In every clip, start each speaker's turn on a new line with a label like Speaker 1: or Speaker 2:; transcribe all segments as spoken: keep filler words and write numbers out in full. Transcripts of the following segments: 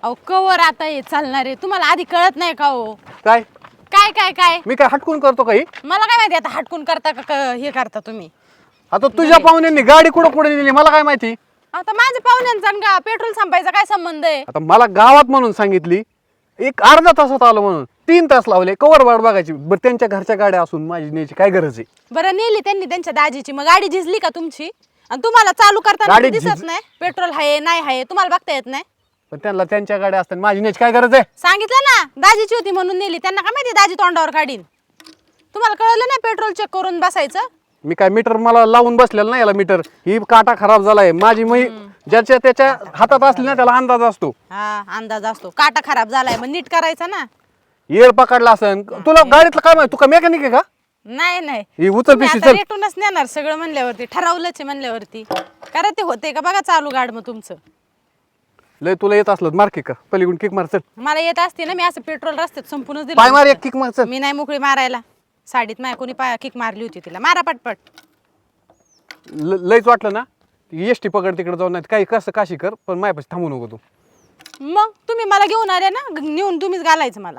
Speaker 1: अहो कवर आता हे चालणार आहे, तुम्हाला आधी कळत नाही का हो?
Speaker 2: काय
Speaker 1: काय काय काय
Speaker 2: मी काय हटकून करतो काही?
Speaker 1: मला काय माहिती आता हटकून करता का क- हे करता तुम्ही?
Speaker 2: आता तुझ्या पाहुण्यांनी गाडी कुठं कुठे नेली मला काय माहिती?
Speaker 1: आता माझ्या पाहुण्यांचा आणि गा पेट्रोल संपायचा काय संबंध आहे?
Speaker 2: आता मला गावात म्हणून सांगितली, एक अर्धा तासात आलो म्हणून तीन तास लावले, कवर वाट बघायची. बरं त्यांच्या घरच्या गाड्या असून माझी न्यायची काय गरज आहे?
Speaker 1: बरं नेली त्यांनी त्यांच्या दाजीची, मग गाडी झिजली का तुमची? आणि तुम्हाला चालू करताना
Speaker 2: गाडी
Speaker 1: दिसत
Speaker 2: झिज-
Speaker 1: नाही पेट्रोल आहे नाही आहे, तुम्हाला बघता येत नाही?
Speaker 2: पण त्यांना त्यांच्या गाड्या असतात, माझी न्यायची काय गरज आहे?
Speaker 1: सांगितलं ना दाजीची होती म्हणून नेली, त्यांना काय माहिती दाजी तोंडावर काढीन? तुम्हाला कळलं नाही पेट्रोल चेक करून बसायचं?
Speaker 2: मी काय मीटर मला लावून बसलेलं नाही याला मीटर. ही काटा खराब झालाय माझी, मी ज्याच्या त्याच्या हातात असली ना त्याला अंदाज असतो.
Speaker 1: हा अंदाज असतो, काटा खराब झालाय मग नीट करायचा ना.
Speaker 2: येळ पकडला असन तुला गाडीतलं काय माहिती? तू का मेकॅनिक आहे का?
Speaker 1: नाही नाही
Speaker 2: ही उचल
Speaker 1: तुम्ही
Speaker 2: पिशवी
Speaker 1: आता
Speaker 2: चल.
Speaker 1: रेटूनच नेणार सगळं म्हणल्यावरती, ठरवलंच आहे म्हणल्यावरती. करा ते होते का बघा चालू गाड मग तुमचं.
Speaker 2: लय तुला येत असलं मार किक पलीकडून किक मार चल.
Speaker 1: मला येत असते ना, मी असं पेट्रोल रस्त्यात संपूनच
Speaker 2: पाय मार
Speaker 1: दिलं.
Speaker 2: एक किक मार चल.
Speaker 1: मी नाही मोकळी मारायला. साडीत माय कोणी पाय किक मारली होती तिला, मारा पटपट.
Speaker 2: ल- लयच वाटलं ना एस टी पकड तिकडे जाऊन, नाही काही कसं काशी कर, पण माझ्यापाशी थांबू नको तू.
Speaker 1: मग तुम्ही मला घेऊन आले ना, ग- नेऊन तुम्हीच घालायचं मला.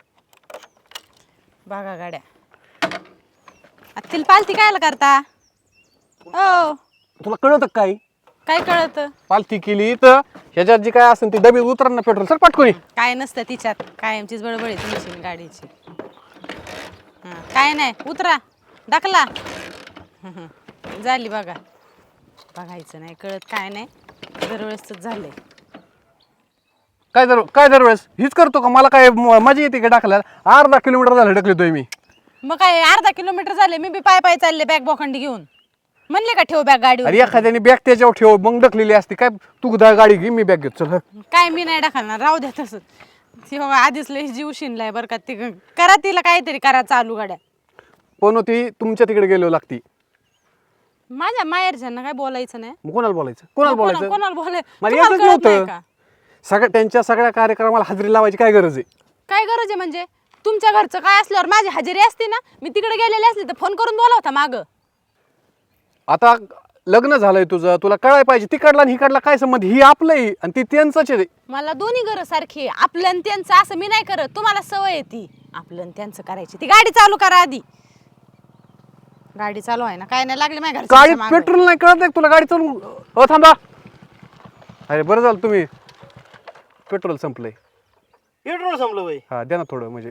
Speaker 1: बघा गाड्या आता तिला पालती कायला करता? हो
Speaker 2: तुला कळत काय?
Speaker 1: काय कळत?
Speaker 2: पालथी केली तर ह्याच्यात जी काय असेल ती डबी उतर ना पेट्रोल सर पटकोनी.
Speaker 1: काय नसतं तिच्यात, कायमचीच बडबड आहे तुमची गाडीची. हा, काय नाही उतरा दाखला. झाली बघा. बघायचं नाही कळत काय नाही, दरवेळेस झालंय.
Speaker 2: काय दर काय दरवेळेस हीच करतो का? मला काय म- मजा येते का टाकल्याला? अर्धा किलोमीटर झालं ढकलतोय मी.
Speaker 1: मग काय अर्धा किलोमीटर झाले, मी बी पाय पाय चालले बॅग बोखंडी घेऊन. म्हणले का ठेव बॅग गाडीवर?
Speaker 2: अरे एखाद्याने बॅग त्याच्यावर ठेव मग ढकलेली असते काय? तू दा- गाडी घे मी बॅग घेतो चल.
Speaker 1: काय मी नाही टाकणार, राहू द्या तसंच. ती बघा आधीच लई जीव शिनलाय बरं का. ती करा तिला काहीतरी करा चालू गाड्या.
Speaker 2: पण होती तुमच्या तिकडे गेलो लागती.
Speaker 1: माझ्या माहेरच्यांना काय बोलायचं नाही.
Speaker 2: मग कोणाला बोलायचं? कोणाला
Speaker 1: कोणा-
Speaker 2: बोलायचं?
Speaker 1: कोणाला बोलाय
Speaker 2: मला
Speaker 1: तुम्हाला
Speaker 2: येतच
Speaker 1: कळत नाही
Speaker 2: नव्हतं.
Speaker 1: का?
Speaker 2: सगळ्या त्यांच्या सगळ्या कार्यक्रमाला हजेरी लावायची काय गरज आहे?
Speaker 1: काय गरज आहे म्हणजे? तुमच्या घरचं काय असल्यावर माझी हजेरी असते ना. मी तिकडे गेलेले असले तर फोन करून बोलावता माग.
Speaker 2: आता लग्न झालंय तुझं, तुला कळायला पाहिजे तिकडला आणि हिकडला काय संबंध? ही आपलंही आणि ती त्यांचंच आहे.
Speaker 1: मला दोन्ही गरज सारखी आहे. आपलं आणि त्यांचं असं मी नाही करत. तुम्हाला सवय आहे ती आपलं आणि त्यांचं करायची. ती गाडी चालू करा आधी. गाडी चालू आहे ना, काय नाही लागले माझ्या
Speaker 2: गाडी
Speaker 1: घरच्या
Speaker 2: पेट्रोल नाही कळत आहे तुला? गाडी चालू अ थांबा. अरे बरं झालं तुम्ही पेट्रोल संपलंय.
Speaker 3: पेट्रोल संपलं बाई.
Speaker 2: हा द्या ना थोडं म्हणजे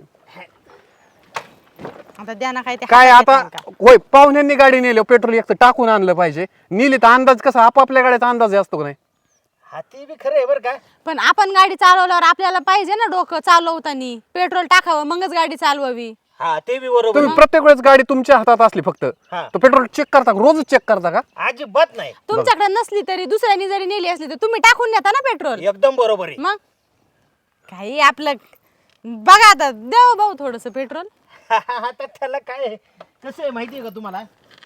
Speaker 1: आता द्या ना काय ते
Speaker 2: काय
Speaker 1: हातात
Speaker 2: आता.
Speaker 1: येतं का?
Speaker 2: होय पाहुण्यांनी गाडी नेली पेट्रोल एक तर टाकून आणलं पाहिजे. नेली तर अंदाज कसा आपापल्या गाड्याचा अंदाज असतो का नाही?
Speaker 3: हा ते बी खरं आहे बरं का.
Speaker 1: पण आपण गाडी चालवल्यावर आपल्याला पाहिजे ना डोकं चालवताना पेट्रोल टाकावं मगच गाडी चालवावी.
Speaker 3: हा ते बी बरोबर
Speaker 2: तुम्ही
Speaker 3: आहे.
Speaker 2: प्रत्येक वेळेस गाडी तुमच्या हातात असली फक्त
Speaker 3: हा.
Speaker 2: तर पेट्रोल चेक करता का? रोजच चेक करता का?
Speaker 3: अजिबात नाही.
Speaker 1: तुमच्याकडे नसली तरी दुसऱ्यानी जरी नेली असली तर तुम्ही टाकून नेता ना पेट्रोल.
Speaker 3: एकदम बरोबर आहे.
Speaker 1: मग काही आपलं बघा आता देऊ भाऊ थोडस पेट्रोल.
Speaker 3: आता त्याला काय आहे? कसं आहे माहिती आहे का तुम्हाला?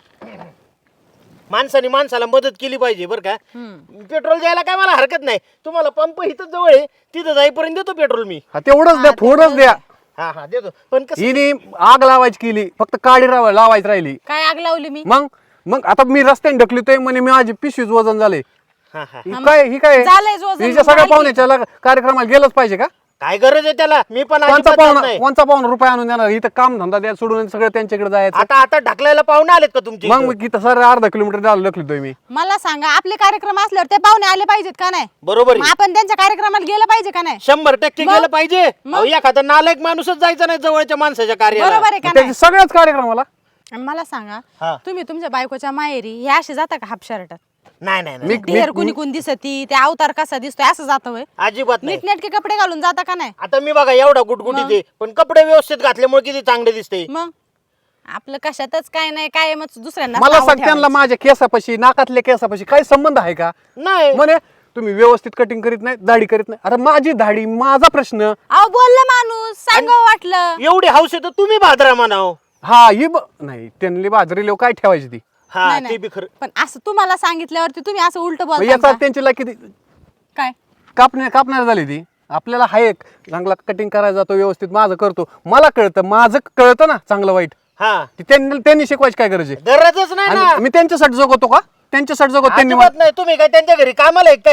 Speaker 3: माणसाने माणसाला मदत केली पाहिजे बरं का. पेट्रोल द्यायला काय मला हरकत नाही. तुम्हाला पंप इथं जवळ आहे, तिथं जाईपर्यंत देतो पेट्रोल मी.
Speaker 2: हा तेवढंच द्या, थोडंच द्या.
Speaker 3: हा हा देतो. पण कसं
Speaker 2: हिने आग लावायची केली, फक्त काडी राव- लावायची राहिली.
Speaker 1: काय आग लावली मी?
Speaker 2: मग मग आता मी रस्त्याने ढकलतोय म्हणे मी माझी पिशवीच वजन झाले.
Speaker 3: हा हा
Speaker 2: ही काय ही काय
Speaker 1: झालंयच वजन,
Speaker 2: हिच्या सगळ्या
Speaker 1: झाली.
Speaker 2: पाहुण्याच्या लग- कार्यक्रमाला गेलंच पाहिजे का?
Speaker 3: काय गरज आहे त्याला? मी पण
Speaker 2: कोणचा
Speaker 3: अजिबात
Speaker 2: पाहुणा
Speaker 3: नाही.
Speaker 2: कोणचा पाहुणा रुपये आणून देणार? इथं काम धंदा द्या सोडून सगळं त्यांच्याकडे जायचं.
Speaker 3: आता आता ढकलायला पाहुणे आलेत का तुमचे
Speaker 2: मग
Speaker 3: इथं?
Speaker 2: मग इथं सर अर्धा किलोमीटर झालं ढकलतोय मी.
Speaker 1: मला सांगा आपले कार्यक्रम असल्यावर ते पाहुणे आले पाहिजेत का नाही?
Speaker 3: बरोबर
Speaker 1: मग
Speaker 3: आहे.
Speaker 1: आपण त्यांच्या कार्यक्रमाला गेलं पाहिजे का नाही?
Speaker 3: शंभर टक्के
Speaker 1: मग?
Speaker 3: गेलं पाहिजे.
Speaker 1: मग?
Speaker 3: अहो, एखादा नालायक माणूसच जायचा नाही जवळच्या माणसाच्या कार्याला.
Speaker 1: बरोबर आहे का नाही?
Speaker 2: त्याच्या सगळ्याच कार्यक्रमाला
Speaker 1: आणि मला सांगा
Speaker 3: हा.
Speaker 1: तुम्ही तुमच्या बायकोच्या माहेरी हे असे जाता का हाफ शर्टात?
Speaker 3: नाही नाही नाही.
Speaker 2: मी-
Speaker 1: ढेर कुणी कुणी दिसती ते अवतार कसा दिसतोय असं जातं होय?
Speaker 3: अजिबात नाही.
Speaker 1: नीटनेटके कपडे घालून जाता का नाही?
Speaker 3: आता मी बघा एवढा गुटगुटी ते पण कपडे व्यवस्थित घातल्यामुळे किती चांगले दिसते.
Speaker 1: मग आपलं कशातच काय नाही काय मग दुसऱ्यांना
Speaker 2: मला
Speaker 1: नावं
Speaker 2: सांग त्यांना
Speaker 1: ठेवायची.
Speaker 2: माझ्या केसापाशी नाकातल्या केसापाशी काही संबंध आहे का?
Speaker 3: नाही
Speaker 2: म्हणे तुम्ही व्यवस्थित कटिंग करीत नाही, दाढी करीत नाही. आता माझी दाढी माझा प्रश्न.
Speaker 1: अहो बोललं माणूस सांगावं वाटलं.
Speaker 3: एवढी हौस आहे तर तुम्ही भाद्रा म्हणाव.
Speaker 2: हा ही ब- नाही त्यांनी बाजरी लोक काय ठेवायची ती?
Speaker 3: हा
Speaker 1: नाही,
Speaker 3: ते
Speaker 1: नाही.
Speaker 3: बी खरं.
Speaker 1: पण असं तुम्हाला सांगितल्यावरती तुम्ही असं उलट
Speaker 2: मग
Speaker 1: बोलता
Speaker 2: याचा
Speaker 1: का?
Speaker 2: त्यांची ला किती
Speaker 1: काय
Speaker 2: कापण्या कापणार झाली ती. आपल्याला हा एक चांगला कटिंग करायला जातो व्यवस्थित माझं करतो. मला कळतं माझं कळतं ना चांगलं वाईट.
Speaker 3: हा
Speaker 2: ती त्यांनी त्यांनी शिकवायची काय गरज आहे?
Speaker 3: गरजच नाही ना.
Speaker 2: आणि मी त्यांच्यासाठी जगवतो का? त्यांच्यासाठी जगवतो त्यांनी
Speaker 3: अजिबात नाही. तुम्ही काय त्यांच्या घरी कामाला आहे काय?
Speaker 2: हा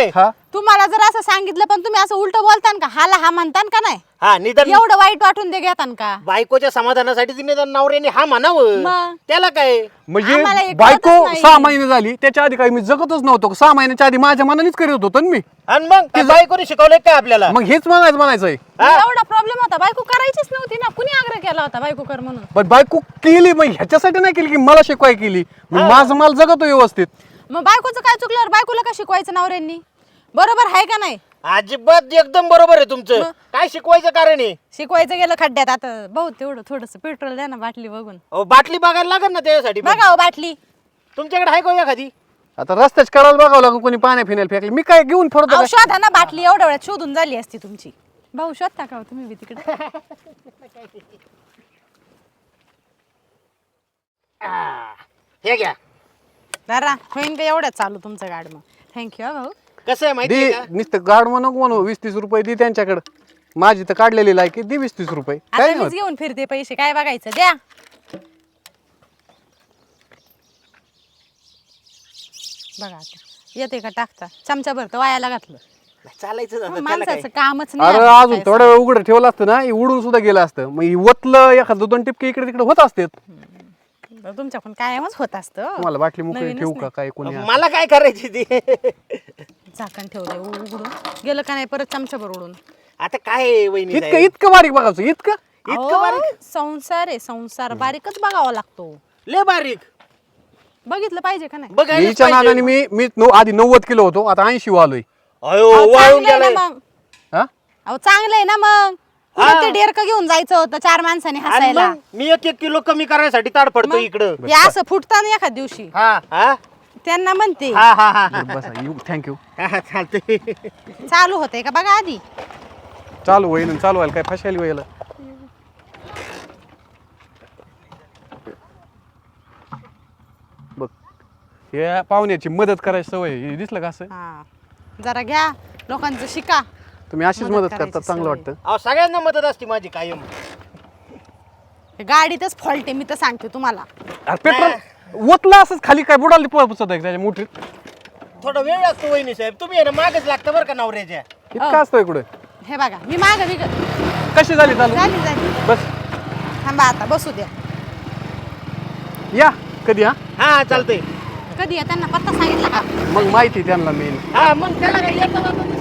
Speaker 1: तुम्हाला जर असं सांगितलं पण तुम्ही असं उलट बोलतान का हाला हा म्हणतान का नाही
Speaker 3: हा निदान
Speaker 1: एवढं वाईट वाटून दे घेतान का
Speaker 3: बायकोच्या समाधानासाठी तिने निदान नवऱ्याने हा म्हणावं
Speaker 1: मग?
Speaker 3: त्याला काय
Speaker 2: म्हणजे
Speaker 1: आम्हाला हे
Speaker 2: बायको
Speaker 1: कळतच नाही.
Speaker 2: सहा महिने झाली त्याच्या आधी काही मी जगतच नव्हतो सहा महिन्याच्या आधी माझ्या मनानेच करत होतो ना मी
Speaker 3: आणि मग त्या बायकोने शिकवलंय काय आपल्याला
Speaker 2: मग हेच म्हणायचं म्हणायचंय
Speaker 1: एवढा प्रॉब्लेम होता बायको करायचीच नव्हती ना कुणी आग्रह केला होता बायको कर म्हणून
Speaker 2: पण बायको केली मग ह्याच्यासाठी नाही केली की मला शिकवाय केली मी माझं माल जगतो व्यवस्थित.
Speaker 1: मग बायकोचं काय चुकल्यावर बायकोला का शिकवायचं नवऱ्यांनी बरोबर आहे का नाही
Speaker 3: अजिबात एकदम बरोबर आहे तुमचं काय शिकवायचं कारण आहे
Speaker 1: शिकवायचं गेलं खड्ड्यात आता भाऊ तेवढं थोडस पेट्रोल द्या ना बाटली बघून
Speaker 3: अहो, बाटली बघायला लागेल ना त्यासाठी पण.
Speaker 1: बघा हो बाटली
Speaker 3: तुमच्याकडे आहे का एखादी
Speaker 2: आता रस्त्याच करायला बघावं लागून कोणी पाण्या फिनायला फेकले मी काय घेऊन फिरतो
Speaker 1: अहो,
Speaker 2: काय?
Speaker 1: शोधा ना बाटली एवढ्या वेळात शोधून झाली असती तुमची भाऊ शोधता का हो तुम्ही बी तिकडे
Speaker 3: आ, हे घ्या
Speaker 1: जरा होईन का एवढ्यात चालू तुमचं गाड मग थँक्यू भाऊ
Speaker 3: कसं आहे माहिती
Speaker 2: दे
Speaker 3: का
Speaker 2: नुसतं गाड म्हणू नको म्हणू वीस तीस रुपये दे त्यांच्याकडे माझी तर काढलेली लायकी दे वीस तीस रुपये काय
Speaker 1: आता
Speaker 2: नाही
Speaker 1: मीच
Speaker 2: होत.
Speaker 1: घेऊन फिरते पैसे काय बघायचं द्या बघा आता येते का टाकता चमचा भरतं वायाला घातलं
Speaker 3: चालायचं जातं, त्याला काय?
Speaker 1: माणसाचं कामच
Speaker 2: अरे
Speaker 1: नाही
Speaker 2: अजून थोडा वेळ उघडं ठेवलं असतं ना हे उडून सुद्धा गेलं असतं मग हे वतलं एखादं दोन टिपके इकडे तिकडे होत असते
Speaker 1: तुमच्या पण कायमच होत असतं
Speaker 2: तुम्हाला बाटली मोकळी
Speaker 1: नवीनच
Speaker 2: ठेवू का
Speaker 1: नाही.
Speaker 2: काय कोणी
Speaker 3: मला काय करायची ती
Speaker 1: झाकण ठेवलंय उ- उघडून गेलं का नाही परत चमचाभर उडून
Speaker 3: आता काय आहे, वहिनी
Speaker 2: इतकं
Speaker 3: साहेब?
Speaker 2: इतकं बारीक बघायचं इतकं
Speaker 3: इतकं
Speaker 1: अहो,
Speaker 3: बारीक
Speaker 1: संसार आहे संसार बारीकच बघावा लागतो
Speaker 3: लय बारीक
Speaker 1: बघितलं पाहिजे का नाही
Speaker 3: बघायलाच
Speaker 2: हिच्या
Speaker 3: पाहिजे.
Speaker 2: नादाने मी मी नऊ- आधी नव्वद किलो होतो आता ऐंशी आलोय
Speaker 3: अयो
Speaker 1: अहो,
Speaker 3: वाळून
Speaker 1: चांगलं आहे
Speaker 3: गेलाय
Speaker 1: ना मग
Speaker 2: हा
Speaker 1: अहो चांगलं आहे ना मग कुठं ते डेरकं घेऊन जायचं होतं चार माणसाने
Speaker 3: आणि
Speaker 1: हसायला
Speaker 3: मग मी एक एक किलो कमी करायसाठी ताड पडतो इकडं
Speaker 1: हे असं फुटताना एखाद दिवशी
Speaker 3: हा हा
Speaker 1: त्यांना म्हणते
Speaker 3: हा हा हा
Speaker 2: बरं, बसा यू थँक्यू
Speaker 3: हा चालतंय
Speaker 1: चालू होतंय का बघा आधी
Speaker 2: चालू होईल आणि चालू व्हायला काय फशाली व्हायला बघ या पाहुण्याची मदत करायची सवय आहे. हे दिसलं का असं
Speaker 1: हा जरा घ्या लोकांचं शिका
Speaker 2: तुम्ही अशीच
Speaker 1: मदत
Speaker 2: मदत
Speaker 1: करायची
Speaker 2: करता चांगलं
Speaker 1: सवय.
Speaker 2: वाटतं
Speaker 3: अहो सगळ्यांना मदत असते माझी कायम
Speaker 1: हे गाडीतच फॉल्ट आहे मी तर सांगते तुम्हाला
Speaker 2: अरे पेट्रोल ओतलं असंच खाली काय बुडाली पोचत आहे त्याच्या मोठीत
Speaker 3: थोडा वेळ लागतो वहिनी साहेब तुम्ही आहे ना मागच लागतं बरं का नवऱ्याच्या
Speaker 2: इतकं असतं इकडं
Speaker 1: हे बघा मी माग बिग
Speaker 2: कशी झाली चालू
Speaker 1: झाली झाली
Speaker 2: बस
Speaker 1: थांबा आता बसू द्या
Speaker 2: या कधी हा
Speaker 3: हा चालतंय
Speaker 1: कधी आहे? त्यांना पत्ता सांगितला का
Speaker 2: मग माहिती त्यांना मेन
Speaker 3: हा मग त्याला काय येतं जातं